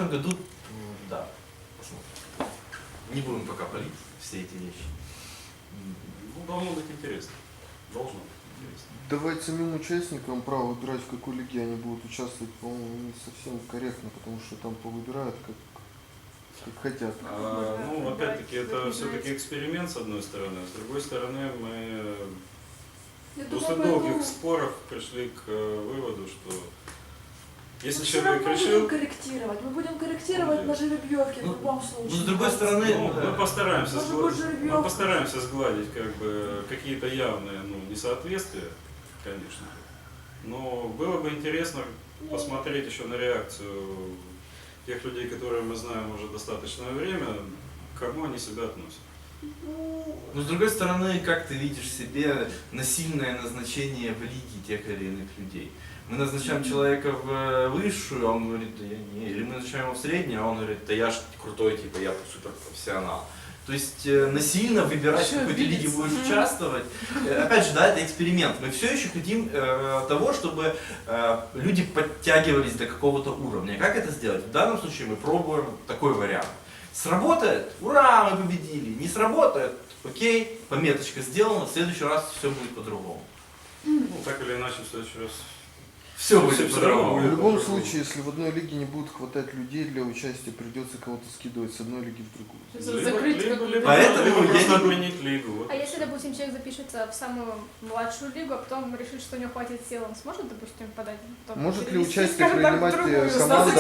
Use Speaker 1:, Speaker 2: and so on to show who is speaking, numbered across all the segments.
Speaker 1: году, да, посмотрим. Не будем пока палить все эти вещи.
Speaker 2: Ну, должно быть интересно. Должно быть интересно.
Speaker 3: Давать самим участникам право выбирать, в какой лиге они будут участвовать, по-моему, не совсем корректно, потому что там повыбирают как хотят.
Speaker 2: Ну, опять-таки, это все-таки эксперимент, с одной стороны, а с другой стороны, мы после долгих споров пришли к выводу, что если человек решил...
Speaker 4: Мы будем корректировать на жеребьевке в любом случае.
Speaker 1: Ну, с другой стороны,
Speaker 2: мы постараемся
Speaker 4: Может,
Speaker 2: сгладить как бы какие-то явные несоответствия, конечно. Но было бы интересно посмотреть еще на реакцию тех людей, которые мы знаем уже достаточное время, к кому они себя относят.
Speaker 1: Но с другой стороны, как ты видишь себе насильное назначение в лиге тех или иных людей? Мы назначаем человека в высшую, а он говорит, да я не. Или мы назначаем его в среднюю, а он говорит, да я ж крутой, типа я суперпрофессионал. То есть насильно выбирать, в какой ты лиге будешь участвовать. Опять же, да, это эксперимент. Мы все еще хотим того, чтобы люди подтягивались до какого-то уровня. Как это сделать? В данном случае мы пробуем такой вариант. Сработает? Ура, мы победили. Не сработает? Окей, пометочка сделана, в следующий раз все будет по-другому.
Speaker 2: Ну, так или иначе, в следующий раз.
Speaker 1: Все будет по-другому.
Speaker 3: В любом случае, если в одной лиге не будет хватать людей для участия, придется кого-то скидывать с одной лиги в другую.
Speaker 1: Поэтому
Speaker 2: просто отменить лигу.
Speaker 5: А если, допустим, человек запишется в самую младшую лигу, а потом решит, что у него хватит сил, он сможет, допустим, подать?
Speaker 3: Может ли участие принимать команда?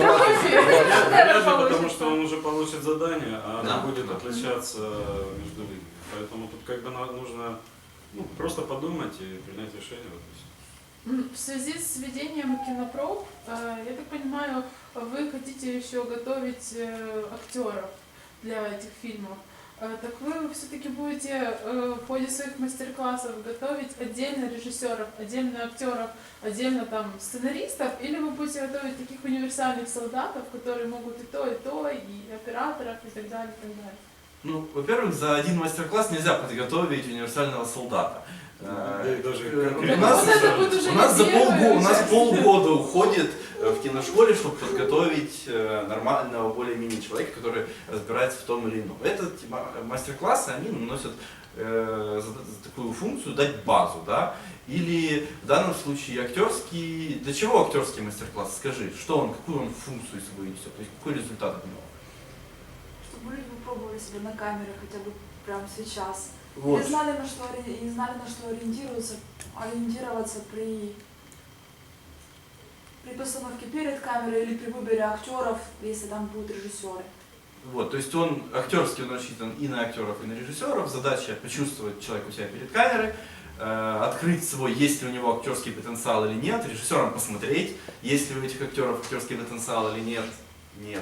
Speaker 2: Вряд ли, потому что он уже получит задание, а
Speaker 1: Да.
Speaker 2: оно будет отличаться между лигами. Поэтому тут как бы нужно просто подумать и принять решение. Вот и всё.
Speaker 6: В связи с введением кинопроб, я так понимаю, вы хотите еще готовить актеров для этих фильмов. Так вы все-таки будете в ходе своих мастер-классов готовить отдельно режиссеров, отдельно актеров, отдельно там сценаристов, или вы будете готовить таких универсальных солдатов, которые могут и то, и операторов, и так далее, и так далее?
Speaker 1: Ну, во-первых, за один мастер-класс нельзя подготовить универсального солдата. У нас полгода уходит в киношколе, чтобы подготовить нормального, более-менее человека, который разбирается в том или ином. Этот мастер-классы, они наносят такую функцию дать базу, да? Или в данном случае актерский. Для чего актерский мастер-класс? Скажи, что он, какую он функцию собой несет, то есть какой результат от него?
Speaker 4: Чтобы люди пробовали себя на камере хотя бы прямо сейчас.
Speaker 1: Вот.
Speaker 4: И знали, на что ориентироваться при постановке перед камерой или при выборе актеров, если там будут режиссеры.
Speaker 1: Вот, то есть он актерский, он рассчитан и на актеров, и на режиссеров. Задача почувствовать человека у себя перед камерой, открыть свой, есть ли у него актерский потенциал или нет, режиссерам посмотреть, есть ли у этих актеров актерский потенциал или нет. Нет.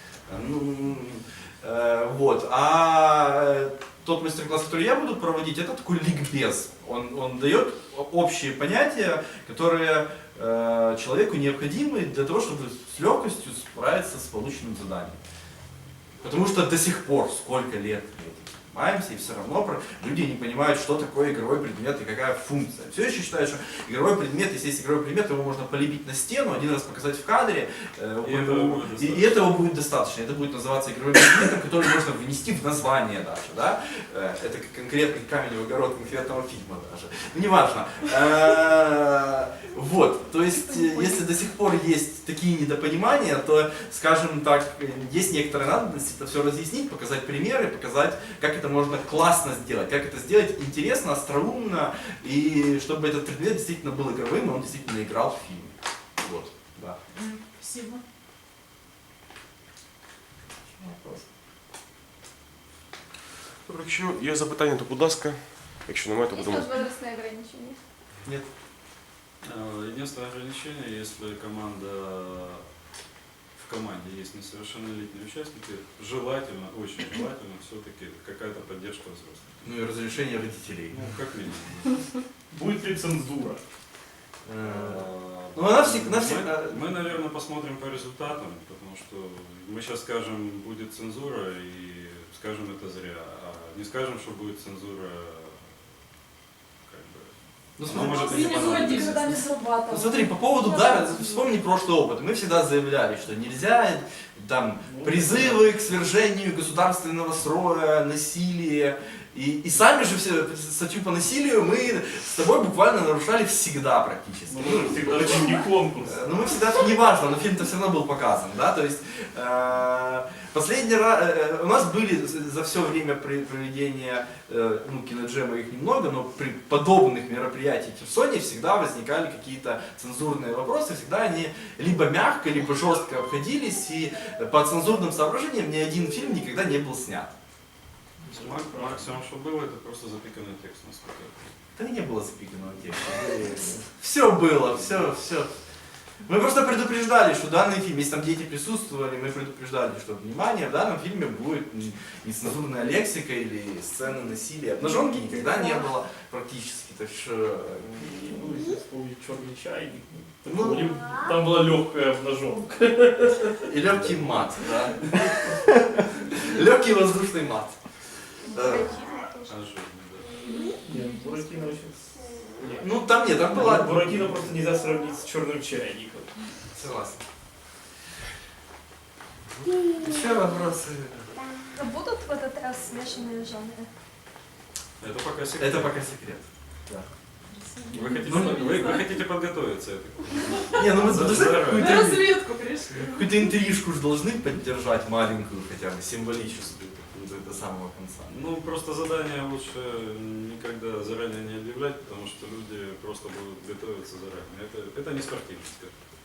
Speaker 1: Вот. А тот мастер-класс, который я буду проводить, это такой ликбез. Он дает общие понятия, которые человеку необходимы для того, чтобы с легкостью справиться с полученным заданием. Потому что до сих пор, сколько лет мы этим занимаемся, и все равно люди не понимают, что такое игровой предмет и какая функция. Все еще считают, что игровой предмет, если есть игровой предмет, его можно полепить на стену, один раз показать в кадре, и этого будет достаточно. Это будет называться игровым предметом, который можно внести в название даже. Да? Это конкретный камень в огород конкретного фильма даже. Ну, неважно. Вот, то есть, если до сих пор есть такие недопонимания, то, скажем так, есть некоторая надобность это все разъяснить, показать примеры, показать, как это можно классно сделать, как это сделать интересно, остроумно, и чтобы этот предмет действительно был игровым, и он действительно играл в фильме. Вот, да.
Speaker 6: Спасибо.
Speaker 7: Добре, якщо є запитання, то будь ласка. Якщо немає, то
Speaker 5: Есть
Speaker 7: будемо.
Speaker 5: возрастные ограничения?
Speaker 1: Нет.
Speaker 2: Единственное ограничение, если в команде есть несовершеннолетние участники, желательно, очень желательно все-таки какая-то поддержка взрослых.
Speaker 1: Ну и разрешение родителей.
Speaker 2: Ну, как минимум.
Speaker 8: Будет ли цензура?
Speaker 1: Ну, она всегда...
Speaker 2: Мы, наверное, посмотрим по результатам, потому что мы сейчас скажем, будет цензура, и скажем это зря. А не скажем, что будет цензура, как бы,
Speaker 1: Ну,
Speaker 2: Оно
Speaker 1: смотри,
Speaker 2: может и не
Speaker 6: Принято
Speaker 2: понадобиться.
Speaker 4: Никогда не срабатывало.
Speaker 1: ну, смотри, по поводу, да, вспомни прошлый опыт. Мы всегда заявляли, что нельзя там призывы к свержению государственного строя, насилие. И сами же все статью по насилию мы с тобой буквально нарушали всегда практически.
Speaker 8: Ну, мы же всегда хотим не конкурс.
Speaker 1: Ну мы всегда, неважно, но фильм-то все равно был показан, да, то есть последний раз, у нас были за все время проведения, ну, киноджема их немного, но при подобных мероприятиях в Херсоне всегда возникали какие-то цензурные вопросы, всегда они либо мягко, либо жестко обходились, и по цензурным соображениям ни один фильм никогда не был снят.
Speaker 2: Максимум, что было, это просто запиканный текст, насколько я помню.
Speaker 1: Да и не было запиканного текста. Все было, все. Мы просто предупреждали, что данный фильм, если там дети присутствовали, мы предупреждали, что внимание, в данном фильме будет нецензурная лексика или сцены насилия. Обнаженки никогда не было практически. Так что...
Speaker 8: Ну, если вспомнить черный чайник,
Speaker 1: Ну,
Speaker 8: там была легкая обнаженка.
Speaker 1: и легкий мат, да. Легкий воздушный мат.
Speaker 2: Ожидно, да.
Speaker 8: Нет, Буратино очень... Нет.
Speaker 1: Ну там нет, там была...
Speaker 8: Буратино просто нельзя сравнить с черным чайником.
Speaker 1: Согласен. Еще вопросы?
Speaker 5: А будут в этот раз смешанные жанры?
Speaker 2: Это пока секрет.
Speaker 1: Это пока секрет.
Speaker 2: Вы хотите,
Speaker 1: Ну,
Speaker 2: вы хотите подготовиться, я так понимаю.
Speaker 1: Не, ну мы
Speaker 2: За-
Speaker 1: должны
Speaker 2: за-
Speaker 6: На
Speaker 1: какую-то
Speaker 6: разведку пришли.
Speaker 1: какую-то интрижку же должны поддержать, маленькую хотя бы, символическую, какую-то до самого конца.
Speaker 2: Ну, просто задание лучше никогда заранее не объявлять, потому что люди просто будут готовиться заранее. Это не спортивность.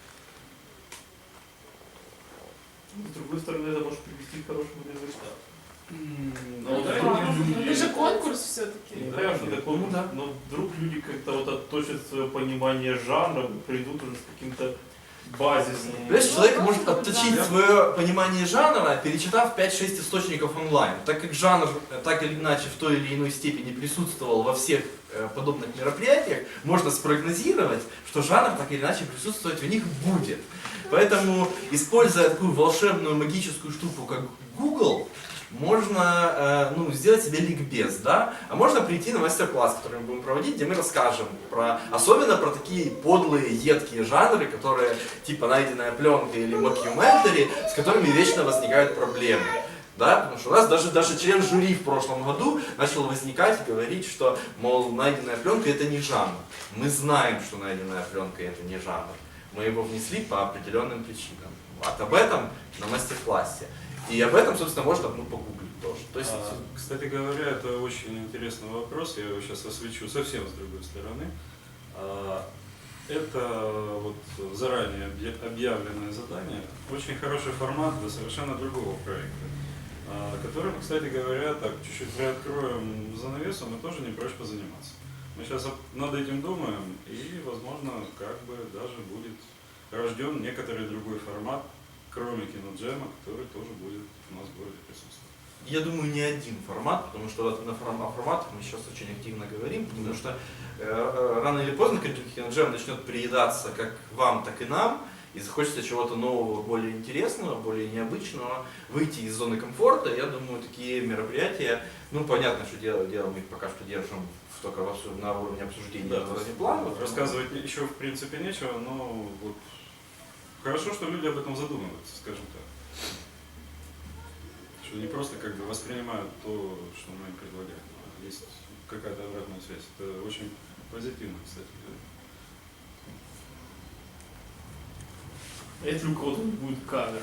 Speaker 8: С другой стороны, это может привести к хорошему результату.
Speaker 2: Ну, да,
Speaker 6: Это же конкурс все-таки.
Speaker 8: Не знаю, что такое,
Speaker 1: Ну да.
Speaker 8: но вдруг люди как-то вот отточат свое понимание жанра, придут уже с каким-то базисным.
Speaker 1: Понимаешь, человек может отточить свое понимание жанра, перечитав 5-6 источников онлайн. Так как жанр так или иначе в той или иной степени присутствовал во всех подобных мероприятиях, можно спрогнозировать, что жанр так или иначе присутствовать в них будет. Поэтому, используя такую волшебную магическую штуку, как Google, можно ну, сделать себе ликбез, да? А можно прийти на мастер-класс, который мы будем проводить, где мы расскажем особенно про такие подлые, едкие жанры, которые типа найденная пленка или мокюментари, с которыми вечно возникают проблемы. Да? Потому что у нас даже член жюри в прошлом году начал возникать и говорить, что, мол, найденная пленка это не жанр. Мы знаем, что найденная пленка это не жанр. Мы его внесли по определенным причинам. Вот об этом на мастер-классе. И об этом, собственно, можно погуглить тоже. То есть,
Speaker 2: Кстати говоря, это очень интересный вопрос, я его сейчас освещу совсем с другой стороны. Это вот заранее объявленное задание, очень хороший формат для совершенно другого проекта, которым, кстати говоря, так чуть-чуть приоткроем занавесу, мы тоже не прочь позаниматься. Мы сейчас над этим думаем, и, возможно, как бы даже будет рожден некоторый другой формат, кроме киноджема, который тоже будет у нас в городе присутствовать.
Speaker 1: я думаю, не один формат, потому что вот о форматах мы сейчас очень активно говорим, потому что рано или поздно киноджем начнет приедаться как вам, так и нам, и захочется чего-то нового, более интересного, более необычного, выйти из зоны комфорта. Я думаю, такие мероприятия, ну понятно, что дело мы их пока что держим только на уровне обсуждения,
Speaker 2: Да,
Speaker 1: на уровне планов.
Speaker 2: рассказывать еще в принципе нечего, но вот хорошо, что люди об этом задумываются, скажем так. Что не просто как бы воспринимают то, что мы им предлагаем, а есть какая-то обратная связь. Это очень позитивно, кстати.
Speaker 8: Если у кого-то будет камера.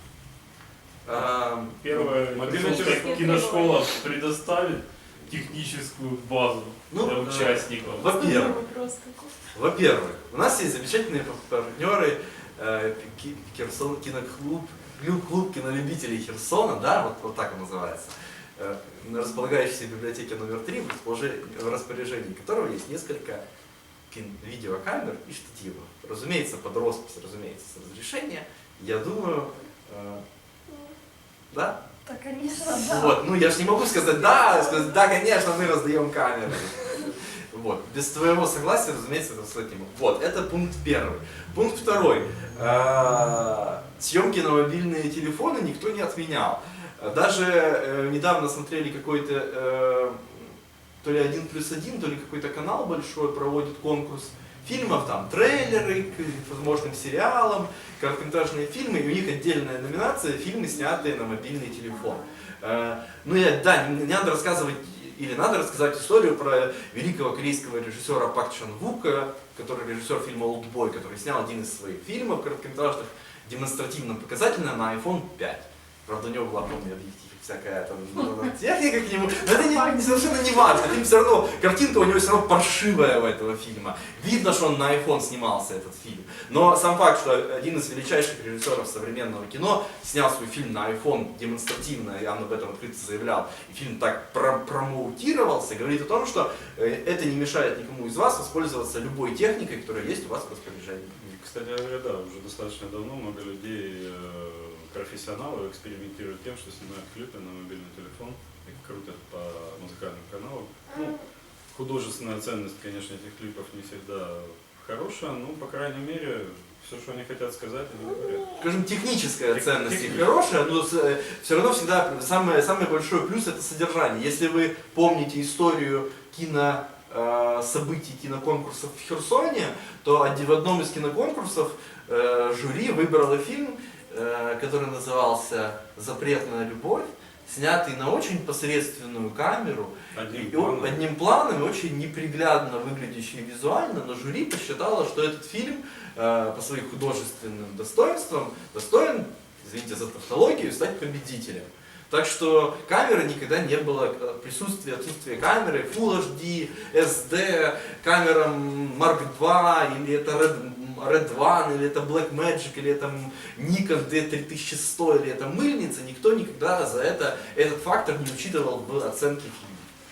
Speaker 1: А,
Speaker 8: Первая
Speaker 2: Мобильный телефон.
Speaker 8: киношкола предоставит техническую базу
Speaker 1: Ну,
Speaker 8: для участников.
Speaker 1: Во-первых,
Speaker 6: Вопрос какой.
Speaker 1: Во-первых, у нас есть замечательные партнеры Херсон киноклуб, клуб кинолюбителей Херсона, да, вот так он называется, располагающийся в библиотеке номер 3, в распоряжении которого есть несколько видеокамер и штативов. Разумеется, под роспись, разумеется, с разрешения. Я думаю, да?
Speaker 5: Да, конечно, да.
Speaker 1: Вот, ну я же не могу сказать да, конечно, мы раздаем камеры. Вот. Без твоего согласия, разумеется, это слать не могу. Вот, это пункт первый. Пункт второй. Съемки на мобильные телефоны никто не отменял. Даже недавно смотрели какой-то то ли 1+1, то ли какой-то канал большой проводит конкурс фильмов, там трейлеры к возможным сериалам, короткометражные фильмы, и у них отдельная номинация «Фильмы, снятые на мобильный телефон». Ну не надо рассказывать, или надо рассказать историю про великого корейского режиссера Пак Чан Вука, который режиссер фильма «Олдбой», который снял один из своих фильмов короткометражных, демонстративно показательно на iPhone 5. Правда, у него была, помню, объектив, всякая там техника к нему, но это совершенно не важно. Фильм все равно, картинка у него все равно паршивая у этого фильма. Видно, что он на iPhone снимался, этот фильм. Но сам факт, что один из величайших режиссеров современного кино снял свой фильм на iPhone демонстративно, и он об этом открыто заявлял, и фильм так промоутировался, говорит о том, что это не мешает никому из вас воспользоваться любой техникой, которая есть у вас в распоряжении.
Speaker 2: Кстати говоря, да, уже достаточно давно много людей, профессионалов, экспериментируют тем, что снимают клипы на мобильный телефон и крутят по музыкальным каналам. Ну, художественная ценность, конечно, этих клипов не всегда хорошая, но, по крайней мере, все, что они хотят сказать, они говорят.
Speaker 1: Скажем, техническая ценность их хорошая, но все равно всегда самый большой плюс это содержание. Если вы помните историю событий киноконкурсов в Херсоне, то в одном из киноконкурсов жюри выбрало фильм, который назывался «Запретная любовь», снятый на очень посредственную камеру, одним планом и очень неприглядно выглядящий визуально, но жюри посчитало, что этот фильм по своим художественным достоинствам достоин, извините за тавтологию, стать победителем. Так что камеры никогда не было, отсутствие камеры, Full HD, SD, камера Mark II, или это Red One, или это Blackmagic, или это Nikon D3100, или это мыльница, никто никогда за этот фактор не учитывал в оценке фильма.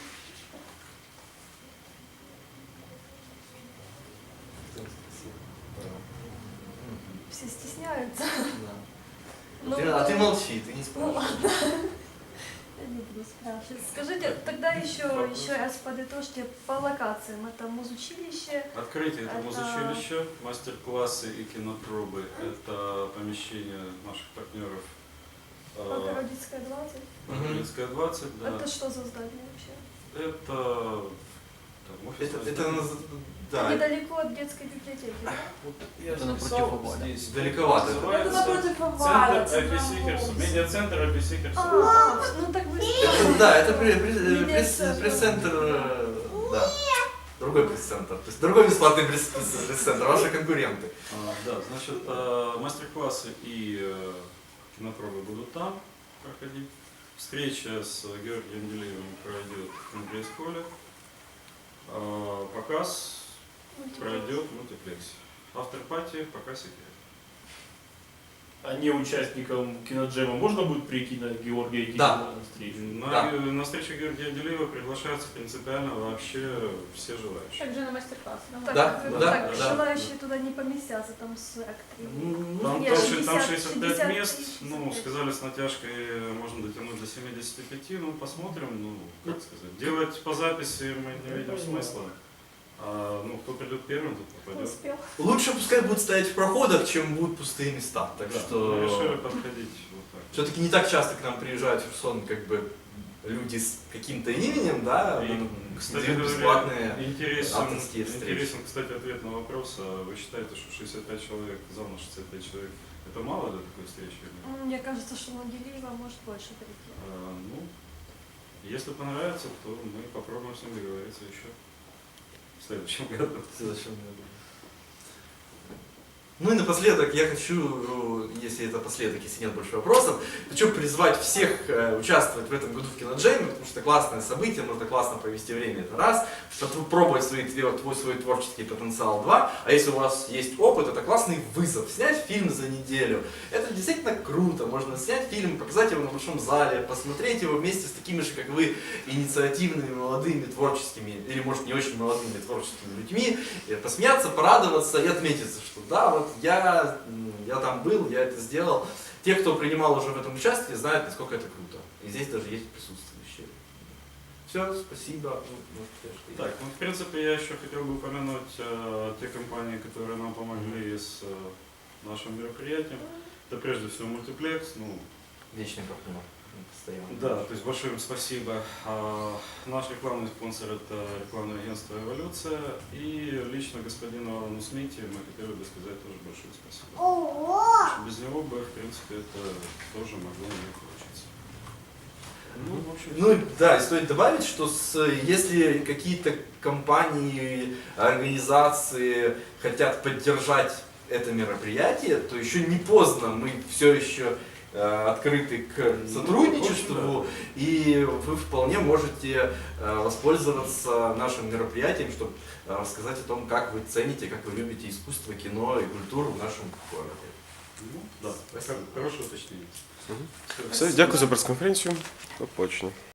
Speaker 9: Все стесняются.
Speaker 1: Да. А ты молчи, ты не
Speaker 9: Ну
Speaker 1: спрашивай.
Speaker 9: ладно. Я не буду спрашивать. Скажите, тогда еще раз подытожьте по локациям. Это музучилище.
Speaker 2: Открытие это музучилище, мастер-классы и кинопробы. Это помещение наших партнеров.
Speaker 9: Богородицкая 20.
Speaker 2: Богородицкая 20, да.
Speaker 9: Это что за здание вообще?
Speaker 2: Это там, офисное здание.
Speaker 1: Да.
Speaker 9: Недалеко от детской библиотеки, да?
Speaker 2: Я
Speaker 3: Это напротив
Speaker 2: написал
Speaker 3: Аваля.
Speaker 2: здесь.
Speaker 1: Далековато.
Speaker 4: Это напротив
Speaker 2: Центр
Speaker 4: Аваля.
Speaker 2: Аписикерс, медиацентр Аписикерс.
Speaker 9: Ну так вы...
Speaker 1: Да, это пресс-центр, да. Другой пресс-центр. То есть другой бесплатный пресс-центр, ваши конкуренты.
Speaker 2: Да, значит, мастер-классы и кинопробы будут там проходить. Встреча с Георгием Делиевым пройдет в Конгресс-холле. Показ пройдет в мультиплексе. Автор-пати пока секрет.
Speaker 8: А не участникам киноджема можно будет прийти на Георгия Делиева
Speaker 1: Да.
Speaker 8: на встречу?
Speaker 2: На встречу Георгия Делиева приглашаются принципиально вообще все желающие.
Speaker 5: Также на мастер-класс.
Speaker 9: Так,
Speaker 1: Да,
Speaker 9: так,
Speaker 1: да.
Speaker 9: желающие туда не поместятся, там 43.
Speaker 2: Там,
Speaker 9: Нет,
Speaker 2: 65 мест,
Speaker 9: 65.
Speaker 2: ну, сказали с натяжкой можно дотянуть до 75, ну, посмотрим, ну, как сказать. Делать по записи мы не видим смысла. Ну, кто придет первым, тот попадет.
Speaker 5: Успел.
Speaker 1: Лучше пускай будут стоять в проходах, чем будут пустые места. Так
Speaker 2: Да,
Speaker 1: что
Speaker 2: мы решили подходить вот так.
Speaker 1: все-таки не так часто к нам приезжают в Херсон как бы люди с каким-то именем, да,
Speaker 2: И, кстати
Speaker 1: дают
Speaker 2: говоря,
Speaker 1: бесплатные
Speaker 2: интересен,
Speaker 1: авторские встречи.
Speaker 2: кстати, ответ на вопрос. А вы считаете, что 65 человек, зал на 65 человек, это мало для такой встречи?
Speaker 9: Мне кажется, что на Делиева может больше прийти.
Speaker 2: Ну, если понравится, то мы попробуем с ним договориться еще в следующем году.
Speaker 1: Ну и напоследок я хочу, если это последок, если нет больше вопросов, хочу призвать всех участвовать в этом году в киноджеме, потому что это классное событие, можно классно провести время, это раз, попробовать свой творческий потенциал, два, а если у вас есть опыт, это классный вызов, снять фильм за неделю, это действительно круто, можно снять фильм, показать его на большом зале, посмотреть его вместе с такими же, как вы, инициативными, молодыми, творческими, или может не очень молодыми творческими людьми, и посмеяться, порадоваться и отметиться, что да, вот я там был, я это сделал. Те, кто принимал уже в этом участие, знают, насколько это круто. И здесь даже есть присутствующие. Все, спасибо.
Speaker 2: Так, ну в принципе я еще хотел бы упомянуть те компании, которые нам помогли с нашим мероприятием. Это прежде всего мультиплекс, ну,
Speaker 1: Вечный партнер. постоянно.
Speaker 2: Да, то есть большое им спасибо. Наш рекламный спонсор – это рекламное агентство «Эволюция». И лично господину Алану Смите мы хотели бы сказать тоже большое спасибо. Потому что без него бы, в принципе, это тоже могло не получиться. Ну, в общем,
Speaker 1: Ну да, и стоит добавить, что если какие-то компании, организации хотят поддержать это мероприятие, то еще не поздно, мы все еще открыты к сотрудничеству, и вы вполне можете воспользоваться нашим мероприятием, чтобы рассказать о том, как вы цените, как вы любите искусство, кино и культуру в нашем городе.
Speaker 2: ну, да, хорошее уточнение.
Speaker 7: Все, дякую за прес-конференцію. До побачення.